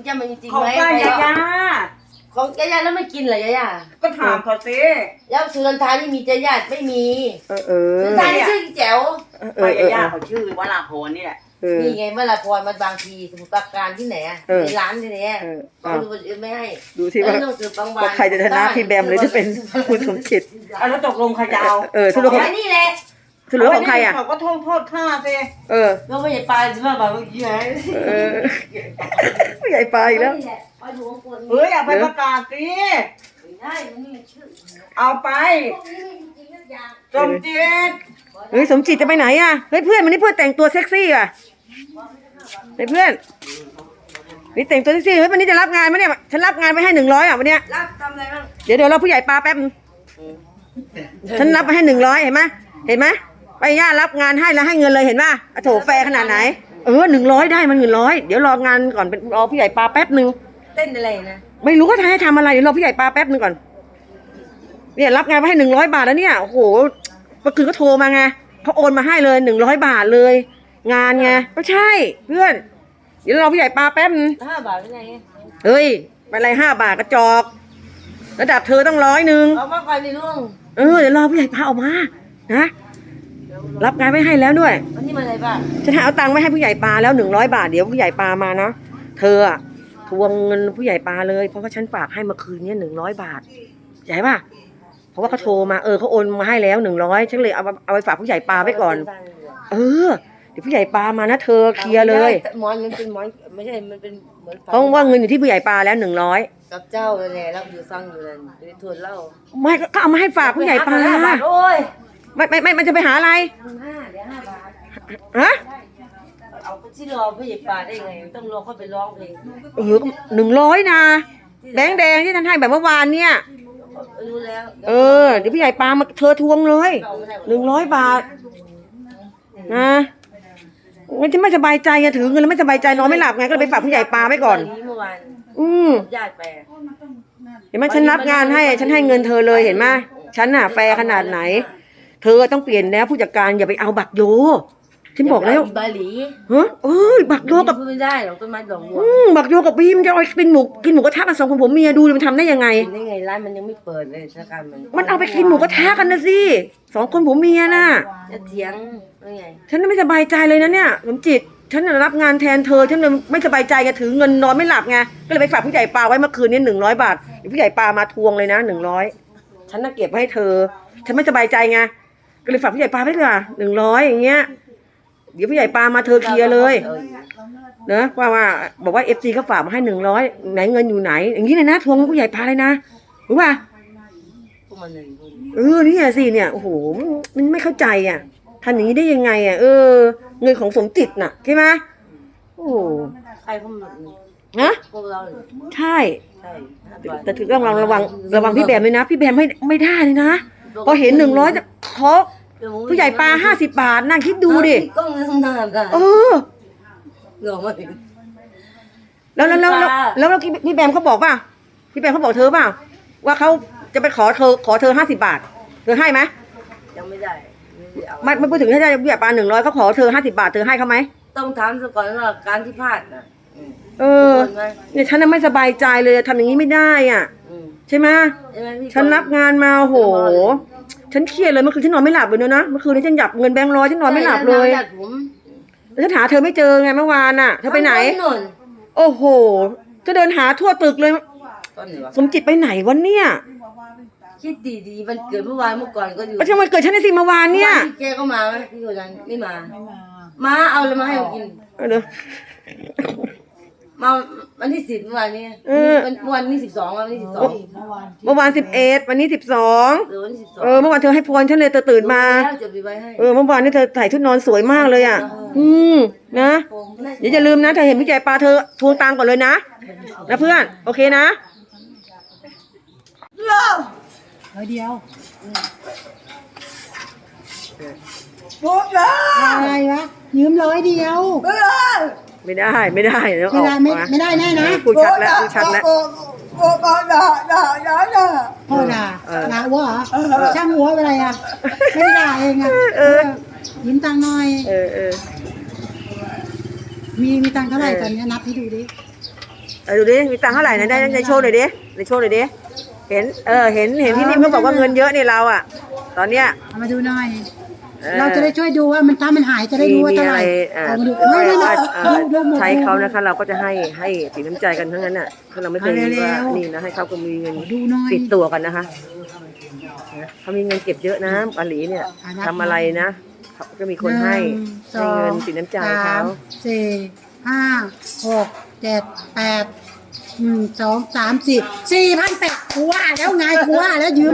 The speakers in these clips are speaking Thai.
จะมันจริงของไหมป้ายายาของยายาแล้วไม่กินเหรอยายาก็ถามเขาสิแล้วสุนันทานี่มียายาไม่มีเอสุอนันทานี่ชื่อแจ๋วป้ายายาเขาชื่อวราพรนี่แหละนี่ไงเมื่อไรพรมันบางทีสมุทรปราการที่ไหนอ่ะในร้านที่ไหนอ่ะเขาดูไม่ให้ดูที่ว่าใครจะชนะพี่แบมหรือจะเป็นคุณสมจิตแล้วตกลงใครจะเอาสรุปของไอ้นี่แหละสรุปของใครอ่ะเขาก็โทษข้าสิก็ไม่ใช่ปลาใช่ไหมปลาเมื่อกี้ไงผู้ใหญ่ปลาอีกแล้วปลาหลวงคนเฮ้ยอย่าไปประกาศสิไม่ได้มันไม่มีชื่อเอาไปพวกนี้จริงๆทุกอย่างสมจิตเฮ้ยสมจิตจะไปไหนอ่ะเฮ้ยเพื่อนวันนี้เพื่อนแต่งตัวเซ็กซี่อ่ะเฮ้ยเพื่อนนี่แต่งตัวเซ็กซี่เฮ้ยวันนี้จะรับงานไหมเนี่ยฉันรับงานไปให้100อ่ะวันเนี้ยรับทำอะไรบ้างเดี๋ยวเราผู้ใหญ่ปลาแป๊บนึงฉันรับไปให้100เห็นไหมไปย่ารับงานให้แล้วให้เงินเลยเห็นป่ะโถแฟร์ขนาดไหน100ได้มัน100เดี๋ยวรองานก่อนเป็นรอผู้ใหญ่ปลาแป๊บนึงเต้นอะไรนะไม่รู้ก็ให้ทำอะไรเดี๋ยวรอผู้ใหญ่ปลาแป๊บนึงก่อนเนี่ยรับงานไปให้100 บาทแล้วเนี่ยโอ้โหเมื่อคืนก็โทรมาไงเขาโอนมาให้เลย100 บาทเลย งานไงก็ใช่เพื่อนเดี๋ยวรอผู้ใหญ่ปลาแป๊บนึง 5 บาทเป็นไงเฮ้ยอะไร5 บาทกระจอกระดับเธอต้อง100 เอามาก่อนดิลุงเดี๋ยวรอผู้ใหญ่ปลาออกมานะรับงานไม่ให้แล้วด้วยวันนี้มาอะไรบ้างฉันเอาตังค์ไว้ให้ผู้ใหญ่ปลาแล้ว100 บาทเดี๋ยวผู้ใหญ่ปลามานะเธออะทวงเงินผู้ใหญ่ปลาเลยเพราะว่าฉันฝากให้เมื่อคืนนี้100 บาทใช่ป่ะเพราะว่าเขาโทรมาเขาโอนมาให้แล้ว100ฉันเลยเอาไปฝากผู้ใหญ่ปลาไว้ก่อนเดี๋ยวผู้ใหญ่ปลามานะเธอเคลียร์เลยหมอนมันเป็นหมอนไม่ใช่มันเป็นเหมือนเพราะว่าเงินอยู่ที่ผู้ใหญ่ปลาแล้ว100 กับเจ้าเลยแหละรับอยู่ฟังอยู่นั่นไปทวนเล่าไม่ก็เอามาให้ฝากผู้ใหญ่ปลาโอ้ยไม่มันจะไปหาอะไรเดี๋ยว5 บาทฮะเอาไปที่รอผู้ใหญ่ป่าได้ไงต้องรอเขาไปร้องเพลง 100นะแดงที่ท่านให้แบบเมื่อวานเนี่ยรู้แล้วเดี๋ยวผู้ใหญ่ปลามาเธอทวงเลย100 บาทนะไม่ใช่ไม่สบายใจไงถือเงินแล้วไม่สบายใจนอนไม่หลับไงก็เลยไปฝากผู้ใหญ่ปลาไว้ก่อนเมื่อวานญาติไปเห็นไหมฉันรับงานให้ฉันให้เงินเธอเลยเห็นไหมฉันน่ะแฟร์ขนาดไหน เธอต้องเปลี่ยนแล้วผู้จัดการอย่าไปเอาบักโยฉันบอกแล้วบาหลีบักโยกับพูดไม่ได้หรอกต้นไม้ดอกบัวบักโยกับบีมจะเอากินหมูกระทะกัน2 คนผมเมียดูมันทำได้ยังไงกินได้ไงร้านมันยังไม่เปิดเลยสถานการณ์มันเอาไปกินหมูกระทะกันนะสิ2 คนผมเมียน่ะจะเถียงยังไงฉันไม่สบายใจเลยนะเนี่ยสมจิตฉันรับงานแทนเธอฉันเลยไม่สบายใจไงถือเงินนอนไม่หลับไงก็เลยไปฝากผู้ใหญ่ปลาไว้เมื่อคืนนี้100 บาทเดี๋ยวผู้ใหญ่ปลามาทวงเลยนะ100ฉันน่ะเก็บไว้ให้เธอฉันไม่สบายใจไงก็เลยฝากผู้ใหญ่ปลาไว้ก่อน100อย่างเงี้ยเดี๋ยวผู้ใหญ่ปลามาเธอเคลียร์เลยเนอะว่าบอกว่าFCเขาฝากมาให้100ไหนเงินอยู่ไหนอย่างนี้เลยนะทวงผู้ใหญ่ปลาเลยนะรู้ป่ะพวกมันหนึ่งนี่สิเนี่ยโอ้โหมันไม่เข้าใจอ่ะทำอย่างนี้ได้ยังไงอ่ะเงินของสมจิตน่ะใช่ไหมโอ้ใครพวกมันนะพวกเราใช่ใช่แต่ถือต้องระวังพี่แบมเลยนะพี่แบมไม่ได้เลยนะพอเห็น100จะขอผู้ใหญ่ปลา50 บาทนั่งคิดดูดิก็เงินนานกันหลอกมาถึงแล้วพี่แบมเขาบอกป่ะพี่แบมเขาบอกเธอป่ะว่าเขาจะไปขอเธอ50 บาทเธอให้ไหมยังไม่ได้เอาไม่พูดถึงให้ได้ผู้ใหญ่ปลา100เขาขอเธอ50 บาทเธอให้เขาไหมต้องถามซะก่อนว่าการที่พลาดนะเนี่ยฉันน่ะไม่สบายใจเลยทำอย่างนี้ไม่ได้อ่ะใช่ไหมฉันรับงานมาโหฉันเครียดเลยเมื่อคืนฉันนอนไม่หลับเลยนะเมื่อคืนนี้ฉันหยับเงินแบงค์100ฉันนอนไม่หลับเลยแล้วฉันหาเธอไม่เจอไงเมื่อวานน่ะเธอไปไหนโอ้โหจะเดินหาทั่วตึกเลยสมจิตไปไหนวันเนี่ยคิดดีๆมันเกิดเมื่อวานเมื่อก่อนก็อยู่ประชันวันเกิดฉันในสิเมื่อวานเนี่ยแกก็มาไหมพี่คนนั้นไม่มามาเอาเลยมาให้กินเดี๋ยวมาวันที่10เมื่อวานนี้วันที่12วันที่12 เมื่อวาน11วันนี้12 วันที่12 เมื่อวานเธอให้พรฉันเลยตื่นมาเมื่อวานนี้เธอใส่ชุดนอนสวยมากเลยอ่ะนะอย่าลืมนะเธอเห็นพี่ใหญ่ปลาเธอทวงตังก่อนเลยนะเพื่อนโอเคนะ 100 เดียวอะไรวะยืม100 เดียวไม่ได้เดี๋ยวไม่ได้แน่นะพูดชัดแล้วพ่อด่าหัวเหรอช่างหัวอะไรอ่ะไม่ด่าเองอ่ะยืมตังค์หน่อยมีตังค์เท่าไหร่ตอนนี้นับให้ดูดิดูดิมีตังค์เท่าไหร่นะได้ในโชว์หน่อยดิในโชว์หน่อยดิเห็นเห็นพี่นิ่มเขาบอกว่าเงินเยอะเนี่ยเราอ่ะตอนเนี้ยเอามาดูหน่อย เราจะได้ช่วยดูว่ามันถ้ามันหายจะได้รู้ว่าเท่าไหร่เอามาดูไม่ดูหมดใช้เขานะคะเราก็จะให้สีน้ำใจกันทั้งนั้นน่ะถ้าเราไม่เคยว่านี่นะให้เขาก็มีเงินดูหน่อยติดตัวกันนะคะเขามีเงินเก็บเยอะนะปาหลีเนี่ยทำอะไรนะเขาก็มีคนให้เงินสีน้ำใจเขาสี่ห้าหกเจ็ดแปด1 2 3 4 4,800กูว่าแล้วไงกูว่าแล้วยืม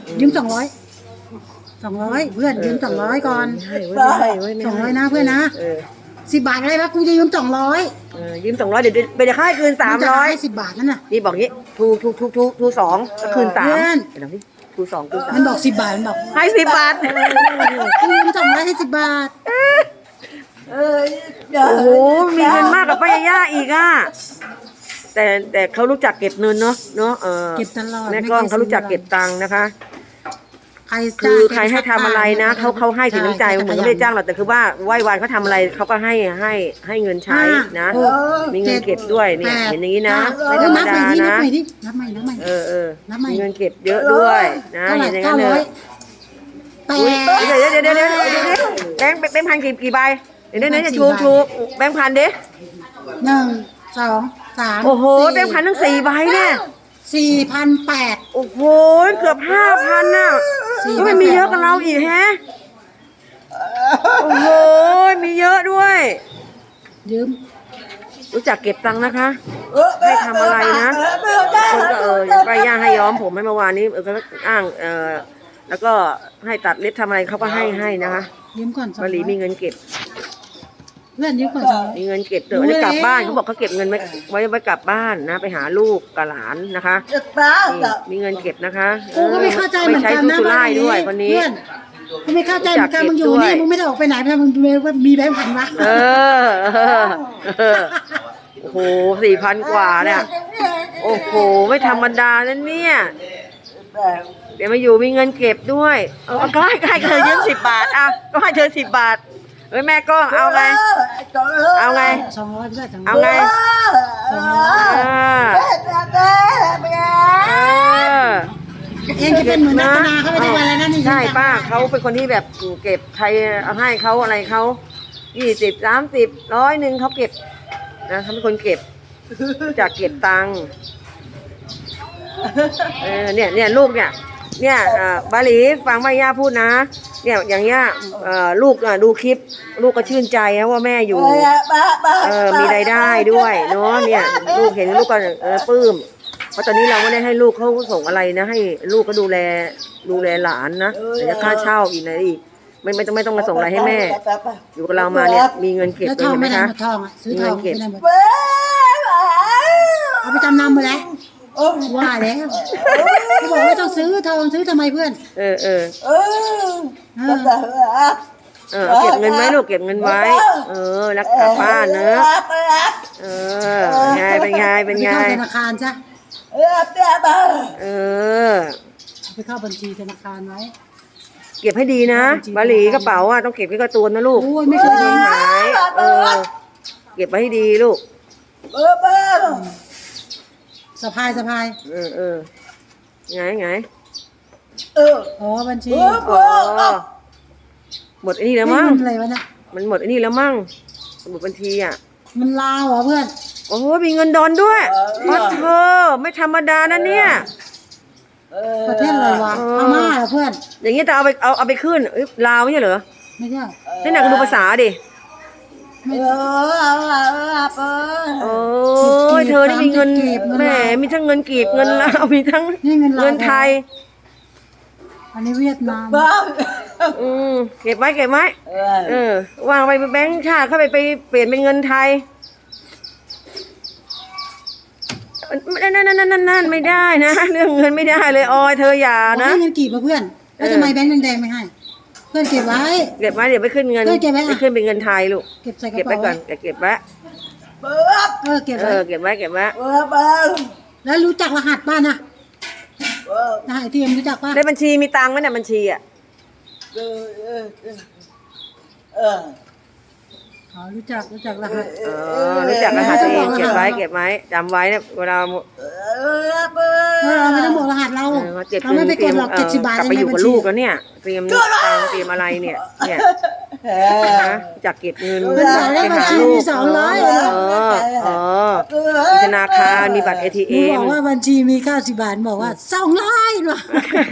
200เพื่อนยืม200ก่อน200นะเพื่อนนะ10 บาทอะไรวะกูจะยืม200 ยืม200เดี๋ยวไปจะค่ายคืน300 10 บาทนั่นน่ะนี่บอกงี้ทู2ก็คืน3เดี๋ยวพี่ทู2คืน3 มันบอก10 บาทมันบอกให้10 บาทกูยืม200ให้10 บาทโอ้โหมีเงินมากกับป้ายาย่าอีกอ่ะแต่เขารู้จักเก็บเงินเนาะเก็บตลอดแม่ก้องเขารู้จักเก็บตังค์นะคะใครคือใครให้ทำอะไรนะเขาให้ถึงน้ำใจเหมือนไม่ได้จ้างหรอกแต่คือว่าไหว้วานเขาทำอะไรเขาก็ให้เงินใช้นะมีเงินเก็บด้วยเนี่ยเห็นอย่างนี้นะไม่ธรรมดานะนับใหม่มีเงินเก็บเยอะด้วยนะเห็นอย่างนั้นเลยเดี๋ยวแบงค์พันกี่ใบเดี๋ยวเนี่ยชูแบงค์พันดิ 1 2 3 โอ้โหแบงค์พันทั้ง4 ใบเนี่ย 4,800 โอ้โหเกือบ5,000น่ะก็ไม่มีเยอะกับเราอีกแฮะโอ้โหมีเยอะด้วยยืมรู้จักเก็บตังค์นะคะให้ทำอะไรนะคนก็ไปย่างให้ย้อมผมให้เมื่อวานนี้ก็อ้างแล้วก็ให้ตัดเล็บทำอะไรเขาก็ให้นะคะยืมก่อนบาหลีมีเงินเก็บเพื่อนยืมก่อนมีเงินเก็บเดี๋ยวได้กลับบ้านเขาบอกเขาเก็บเงินไว้กลับบ้านนะไปหาลูกกับหลานนะคะมีเงินเก็บนะคะกูก็ไม่เข้าใจเหมือนกันนะบ้านด้วยคนนี้กูไม่เข้าใจเหมือนกันมึงอยู่นี่มึงไม่ได้ออกไปไหนมึงมีแบงค์พันวะโอ้โห4,000 กว่าเนี่ยโอ้โหไม่ธรรมดานั่นเนี่ยเดี๋ยวมาอยู่มีเงินเก็บด้วยก็ให้เธอยืม10 บาทอ่ะก็ให้เธอ10 บาทแม่ก้องเอาไง200เอาไงเองจะเป็นเหมือนนักนาเขาไม่ได้วันอะไรนั่นนี่ใช่ป้าเขาเป็นคนที่แบบเก็บใครเอาให้เขาอะไรเขา20 30 100เขาเก็บนะเขาเป็นคนเก็บจากเก็บตังค์เนี่ยลูกเนี่ยบาหลีฟังแม่ย่าพูดนะเนี่ยอย่างเงี้ยลูกดูคลิปลูกก็ชื่นใจนะว่าแม่อยู่มีรายได้ด้วยเนาะเนี่ยลูกเห็นลูกก็ปลื้มเพราะตอนนี้เราไม่ได้ให้ลูกเขาส่งอะไรนะให้ลูกก็ดูแลหลานนะแต่ค่าเช่าอีกไหนอีกไม่ต้องมาส่งอะไรให้แม่อยู่กับเรามาเนี่ยมีเงินเก็บเลยเห็นไหมคะซื้อทองเก็บเอาไปจำนำมาแล้วว่าแล้วเขาบอกว่าต้องซื้อทองซื้อทำไมเพื่อนเก็บเงินไว้ลูกเก็บเงินไว้รักษาบ้านเนอะเป็นไงไปเข้าธนาคารจ้ะไปเข้าบัญชีธนาคารไว้เก็บให้ดีนะบาหลีกระเป๋าต้องเก็บไว้กับตัวนะลูกไม่เคยหายเก็บไว้ให้ดีลูกสะพายไงบัญชีหมดไอ้นี่แล้วมั้งอะไรวะเนี่ยมันหมดไอ้นี่แล้วมั้งสมุดบัญชีมันลาวเหรอเพื่อนโอ้มีเงินดอนด้วยเธอไม่ธรรมดานะเนี่ยประเทศอะไรวะพม่าเหรอเพื่อนอย่างนี้จะเอาไปขึ้นลาวไม่ใช่เหรอไม่ใช่นี่หนักดูภาษาดิโอ้ยเธอได้มีเงินแหมมีทั้งเงินกีบเงินลาวมีทั้งเงินไทยอันนี้เวียดนามเก็บไว้วางไปแบงค์ชาติเข้าไปเปลี่ยนเป็นเงินไทยนั่นไม่ได้นะเรื่องเงินไม่ได้เลยออยเธออย่านะเงินกีบมาเพื่อนแล้วทำไมแบงค์แดงไม่ให้เพื่อนเก็บไว้เดี๋ยวไปขึ้นเงินไปขึ้นเป็นเงินไทยลูกเก็บใส่กระเป๋าเก็บไว้ก่อนเก็บไว้เก็บไว้แล้วรู้จักรหัสบ้านนะรหัสที่รู้จักป่ะในบัญชีมีตังค์ไหมเนี่ยบัญชีอ๋อรู้จักรหัสรู้จักรหัสตัวเองเก็บไว้จำไว้เนี่ยเวลาเราไม่ต้องบอกรหัสเราเก็บเราไม่ไปกดหรอก70 บาทกลับไปอยู่กับลูกแล้วเนี่ยเตรียมตังค์เตรียมอะไรเนี่ยนะจากเก็บเงินเป็นสายเลขบัญชีมี200 มีธนาคารมีบัตรหนู ATM บอกว่าบัญชีมี90 บาทบอกว่า200หรอ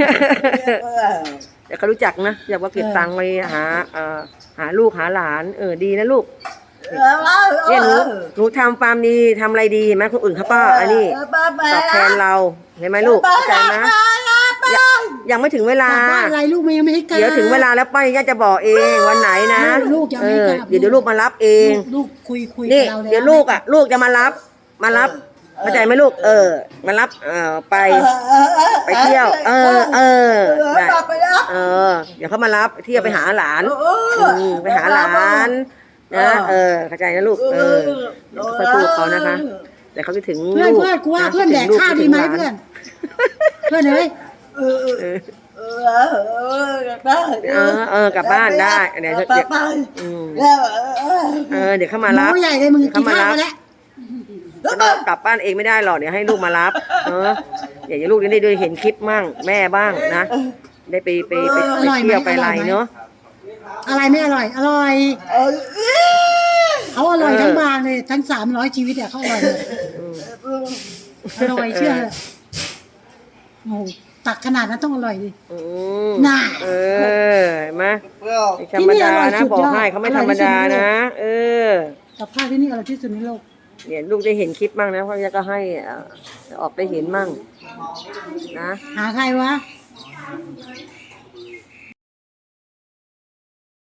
แต่เขารู้จักนะอยากว่าเก็บตังค์ไปหาลูกหาหลานดีนะลูกเนี่ยหนูทำฟาร์มดีทำอะไรดีเห็นไหมคนอื่นเขาก็อันนี้ตอบแทนเราเห็นไหมลูกเข้าใจไหมยังไม่ถึงเวลาบ้านอะไรลูกยังไม่ให้กลับเดี๋ยวถึงเวลาแล้วป้าย่าจะบอกเองวันไหนนะลูกยังไม่กลับเดี๋ยวลูกมารับเองลูกคุยนี่กับเราแล้วเดี๋ยวลูกจะมารับเข้าใจไหมลูกมารับไปเที่ยวได้เดี๋ยวเขามารับเที่ยวไปหาหลานไปหาหลานนะเข้าใจนะลูกค่อยพูดเขานะคะแต่เขาจะถึงเพื่อนลูกกูว่าเพื่อนแดกข้าวดีไหมเพื่อนเอ้ยกลับบ้านได้เดี๋ยวเดี๋ยวเขามาน้รัอบ งใหญ่เลยมึงกินข้าวมาแล้วกลับบ้านเองไม่ได้หรอกเดี๋ยวให้ลูกมารับอยากให้ลูกได้เห็นคลิปมั่งแม่บ้างนะได้ไปเที่ยวไปอะไรเนาะอะไรไม่อร่อยอร่อยเขาอร่อยทั้งบางเลยทั้ง300ชีวิตเขาอร่อยเลยอร่อยเชื่อโอ้ตักขนาดนั้นต้องอร่อยดิน่าเห็นไหมธรรมดานะบอกให้เขาไม่ธรรมดานะกับข้าวที่นี่อร่อยที่สุดในโลกเนี่ยลูกได้เห็นคลิปมั่งนะเพราะยาก็ให้ออกได้เห็นมั่งนะหาใครวะ